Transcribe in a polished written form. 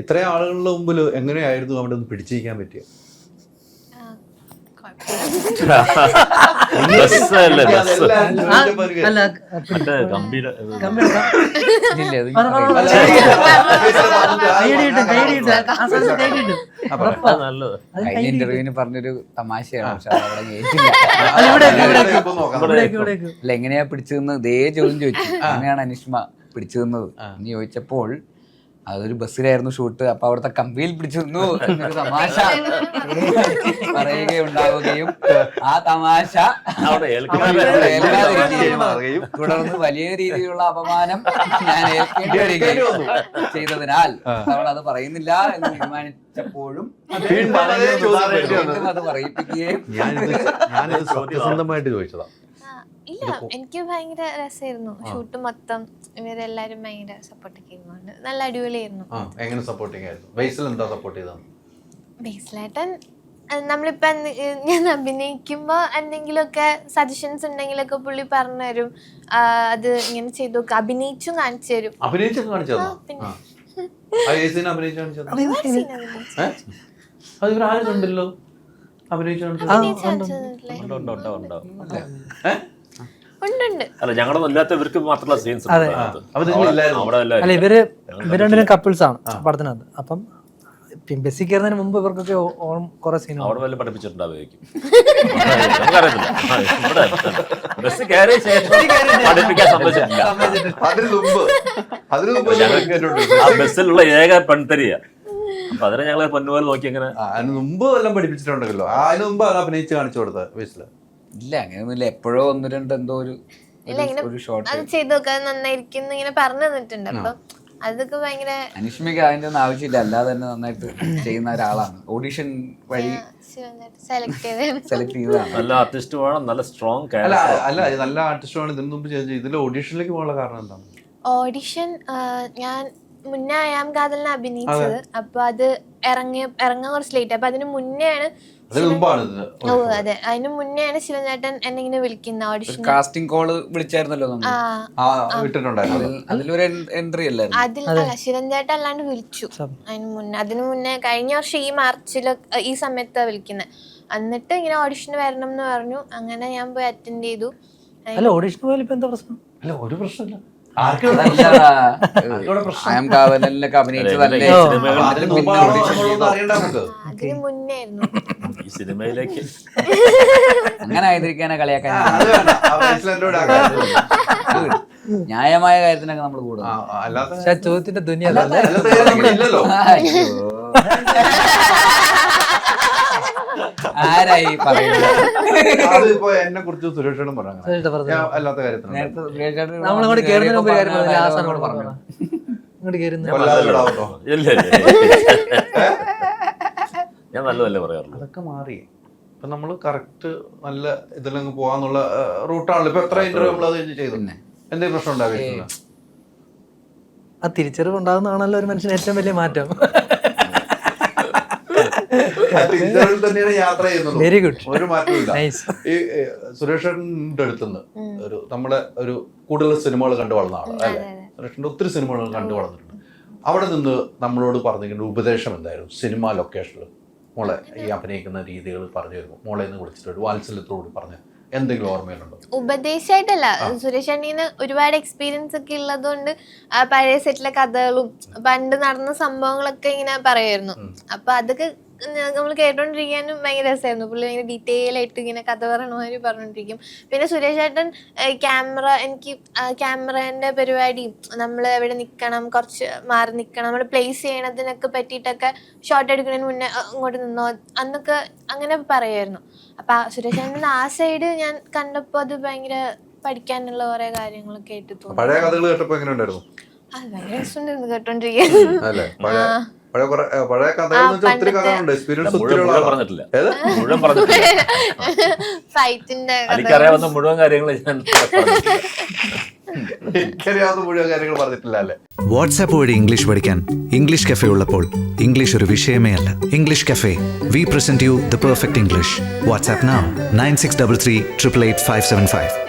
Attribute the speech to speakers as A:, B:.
A: ഇത്രയും ആളുകളുടെ മുമ്പിൽ എങ്ങനെയായിരുന്നു അവിടെ ഒന്ന് പിടിച്ചിരിക്കാൻ പറ്റിയ?
B: ഇന്റർവ്യൂവിന് പറഞ്ഞൊരു തമാശയാണ്, പക്ഷെ അവിടെ അല്ല എങ്ങനെയാ പിടിച്ചതെന്ന് ഇതേ ചോദ്യം ചോദിച്ചു. എങ്ങനെയാണ് അനിഷ്മ പിടിച്ചതെന്നത് എന്ന് ചോദിച്ചപ്പോൾ അതൊരു ബസ്സിലായിരുന്നു ഷൂട്ട്, അപ്പൊ അവിടുത്തെ കമ്പിയിൽ പിടിച്ചു നിന്നു എന്നൊരു തമാശ പറയുകയുണ്ടാവുകയും ആ തമാശ തുടർന്ന് വലിയ രീതിയിലുള്ള അപമാനം ഞാൻ ഏൽക്കേണ്ടി വരികയും ചെയ്തതിനാൽ അവൾ അത് പറയുന്നില്ല എന്ന് തീരുമാനിച്ചപ്പോഴും അത് പറയിപ്പിക്കുകയും
A: സത്യസന്ധമായിട്ട് ചോദിച്ചതാ.
C: ഇല്ല, എനിക്ക് ഭയങ്കര രസമായിരുന്നു ഷൂട്ട് മൊത്തം. ഇവരെല്ലാരും ഭയങ്കര സപ്പോർട്ടൊക്കെ ആയിരുന്നു, നല്ല അടിപൊളിയായിരുന്നു.
A: എങ്ങനെ സപ്പോർട്ടിങ് ആയിരുന്നു? ബേസിൽ എന്താ സപ്പോർട്ട് ചെയ്തത്?
C: ബേസിലായിട്ടൻ നമ്മളിപ്പോ ഞാൻ അഭിനയിക്കുമ്പോ എന്തെങ്കിലുമൊക്കെ സജഷൻസ് ഉണ്ടെങ്കിലൊക്കെ പുള്ളി പറഞ്ഞു തരും. അത് ഇങ്ങനെ ചെയ്തു നോക്ക്, അഭിനയിച്ചും കാണിച്ചു തരും.
A: അഭിനയിച്ചൊക്കെ കാണിച്ചു തന്നോ?
C: പിന്നെ
A: അത് ഇവരാരും കണ്ടല്ലോ. അഭിനയിച്ചു
C: ഉണ്ട്.
D: ഞങ്ങളൊന്നും ഇല്ലാത്ത ഇവർക്ക് മാത്രമുള്ള സീൻസ്.
E: അല്ല ഇവര് രണ്ടിനും കപ്പിൾസ് ആണ് പടത്തിനകത്ത്. അപ്പം ബസ്സിൽ കയറുന്നതിന് മുമ്പ് ഇവർക്കൊക്കെ കുറെ സീൻ
D: അവിടെ വല്ല പഠിപ്പിച്ചിട്ടുണ്ടാവുമായിരിക്കും. ബസ്സിലുള്ള ഏക പെൺതരിയ. അപ്പൊ അതിനെ ഞങ്ങൾ പൊന്നുപോലെ നോക്കി. അങ്ങനെ
A: അതിന് മുമ്പ് എല്ലാം പഠിപ്പിച്ചിട്ടുണ്ടല്ലോ. അതിന് മുമ്പ് അഭിനയിച്ച് കാണിച്ചു കൊടുത്തത് ബസ്സില്?
B: ഇല്ല, അങ്ങനെയൊന്നുമില്ല. എപ്പോഴോ ഒന്ന് രണ്ട് എന്തോ ഒരു ഷോട്ട്
C: അത് ചെയ്ത് നോക്കാൻ നന്നായിരിക്കും ഇങ്ങനെ പറഞ്ഞു തന്നിട്ടുണ്ട്. അപ്പൊ അതൊക്കെ ഭയങ്കര
B: അനിഷ്മയ്ക്ക് അതിന്റെ ഒന്നും ആവശ്യമില്ല, അല്ലാതെ തന്നെ നന്നായിട്ട് ചെയ്യുന്ന ഒരാളാണ്. ഓഡിഷൻ വഴി
C: സെലക്ട്
B: ചെയ്തതാണ്.
D: നല്ല ആർട്ടിസ്റ്റ് വേണം, നല്ല സ്ട്രോങ്.
A: അല്ല നല്ല ആർട്ടിസ്റ്റ് വേണം. ഇതിനു മുമ്പ് ഇതിൽ ഓഡീഷനിലേക്ക് പോകാനുള്ള കാരണം എന്താണ്?
C: ഓഡിഷൻ ഞാൻ മുന്നേ അയാം കാതലിനെ അഭിനയിച്ചത്. അപ്പൊ അത് ഇറങ്ങാൻ കുറച്ച് ലേറ്റ്. അപ്പൊ അതിന് മുന്നെയാണ് അതെ അതിന് മുന്നെയാണ് ശിവചേട്ടൻ എന്നെ ഇങ്ങനെ വിളിക്കുന്നത് ഓഡിഷൻ.
B: കാസ്റ്റിംഗ് കോള് വിളിച്ചായിരുന്നല്ലോ അതിലൊരു എൻട്രി അല്ലായിരുന്നു.
C: അതിൽ ശിവചേട്ടൻ അല്ലാണ്ട് വിളിച്ചു അതിന് മുന്നേ കഴിഞ്ഞ വർഷം ഈ മാർച്ചില് ഈ സമയത്താ വിളിക്കുന്നത്. എന്നിട്ട് ഇങ്ങനെ ഓഡിഷന് വരണം എന്ന് പറഞ്ഞു. അങ്ങനെ ഞാൻ പോയി അറ്റൻഡ് ചെയ്തു.
E: ഓഡിഷൻ പോയാലും ഇപ്പൊ എന്താ പ്രശ്നം?
A: അല്ല ഒരു പ്രശ്നമില്ല.
B: കാവലിലൊക്കെ അഭിനയിച്ചതല്ലേ
C: അതിന് മുന്നേ
D: ഈ സിനിമയിലേക്ക്
B: അങ്ങനെ ആയിരിക്കാനാ കളിയാക്കാൻ. ന്യായമായ കാര്യത്തിനൊക്കെ നമ്മൾ കൂടുതൽ
E: ചോദ്യത്തിന്റെ ദുനിയല്ലേ.
B: ആരായി പറയുന്നത്?
A: അതിപ്പോ എന്നെ കുറിച്ച് സുരേഷനും പറഞ്ഞു അല്ലാത്ത കാര്യത്തിൽ
E: നമ്മളിങ്ങോട്ട് കേറുന്നതിന് മുമ്പ് കാര്യം പറഞ്ഞു. ഇങ്ങോട്ട് കേറുന്ന
D: ഞാൻ നല്ലതല്ലേ പറയാറുള്ളൂ.
A: അതൊക്കെ മാറി. ഇപ്പൊ നമ്മള് കറക്റ്റ് നല്ല ഇതിലങ്ങ് പോവാന്നുള്ള റൂട്ടാണല്ലോ. ഇപ്പൊ എത്ര ഇന്റർവ്യൂ നമ്മൾ അത് ചെയ്തു. എന്തെങ്കിലും പ്രശ്നം ഉണ്ടാവില്ല.
E: ആ തിരിച്ചറിവ് ഉണ്ടാകുന്നതാണല്ലോ ഒരു മനുഷ്യന് ഏറ്റവും വലിയ മാറ്റം.
A: തന്നെയാണ് യാത്ര ചെയ്യുന്നത്.
E: Very good.
A: ഒരു മാറ്റമില്ല. ഈ സുരേഷിന്റെ അടുത്തുനിന്ന് ഒരു നമ്മളെ ഒരു കൂടുതൽ സിനിമകൾ കണ്ടു വളർന്ന ആള് അല്ലെ? സുരേഷിന്റെ ഒത്തിരി സിനിമകൾ കണ്ടു വളർന്നിട്ടുണ്ട്. അവിടെ നിന്ന് നമ്മളോട് പറഞ്ഞിരിക്കുന്ന ഉപദേശം എന്തായിരുന്നു? സിനിമ ലൊക്കേഷനിൽ മോളെ ഈ അഭിനയിക്കുന്ന രീതികൾ പറഞ്ഞു തരുമോ? മോളെ എന്ന് വിളിച്ചിട്ട് ഒരു വാത്സല്യത്തോട് പറഞ്ഞ എന്തെങ്കിലും ഓർമ്മയിലുണ്ടോ?
C: ഉപദേശമായിട്ടല്ല, സുരേഷ് അണ്ണീന് ഒരുപാട് എക്സ്പീരിയൻസ് ഒക്കെ ഉള്ളതുകൊണ്ട് പഴയ സെറ്റിലെ കഥകളും പണ്ട് നടന്ന സംഭവങ്ങളൊക്കെ ഇങ്ങനെ പറയുമായിരുന്നു. അപ്പൊ അതൊക്കെ നമ്മൾ കേട്ടോണ്ടിരിക്കാനും ഭയങ്കര രസമായിരുന്നു. പുള്ളി ഭയങ്കര ഡീറ്റെയിൽ ആയിട്ട് ഇങ്ങനെ കഥ പറയണമാതിരി പറഞ്ഞോണ്ടിരിക്കും. പിന്നെ സുരേഷ് ഏട്ടൻ എനിക്ക് ക്യാമറേന്റെ പരിപാടിയും നമ്മൾ എവിടെ നിൽക്കണം, കുറച്ച് മാറി നിൽക്കണം, നമ്മൾ പ്ലേസ് ചെയ്യണതിനൊക്കെ പറ്റിയിട്ടൊക്കെ ഷോട്ട് എടുക്കുന്നതിന് മുന്നേ അങ്ങോട്ട് നിന്നോ എന്നൊക്കെ അങ്ങനെ പറയുമായിരുന്നു. അപ്പൊ സുരേഷ് ഏട്ടൻ ആ സൈഡ് ഞാൻ കണ്ടപ്പോ അത് ഭയങ്കര പഠിക്കാനുള്ള കുറെ കാര്യങ്ങളൊക്കെ ആയിട്ട് തോന്നി.
A: പഴയ കഥകൾ കേട്ടപ്പോ എങ്ങനെ ഉണ്ടായിരുന്നു?
C: അത് ഭയങ്കര രസമുണ്ടായിരുന്നു കേട്ടോണ്ടിരിക്കാൻ.
A: പഴയ കഥകളുണ്ട്. എക്സ്പീരിയൻസ്
D: പറഞ്ഞിട്ടില്ല, മുഴുവൻ പറഞ്ഞിട്ടില്ല. എനിക്കറിയാവുന്ന മുഴുവൻ കാര്യങ്ങൾ
A: എനിക്കറിയാവുന്ന മുഴുവൻ കാര്യങ്ങൾ പറഞ്ഞിട്ടില്ല അല്ലേ?
F: വാട്സാപ്പ് വഴി ഇംഗ്ലീഷ് പഠിക്കാൻ ഇംഗ്ലീഷ് കഫേ ഉള്ളപ്പോൾ ഇംഗ്ലീഷ് ഒരു വിഷയമേ അല്ല. English cafe, we present you the perfect English. WhatsApp now 9633 888 575.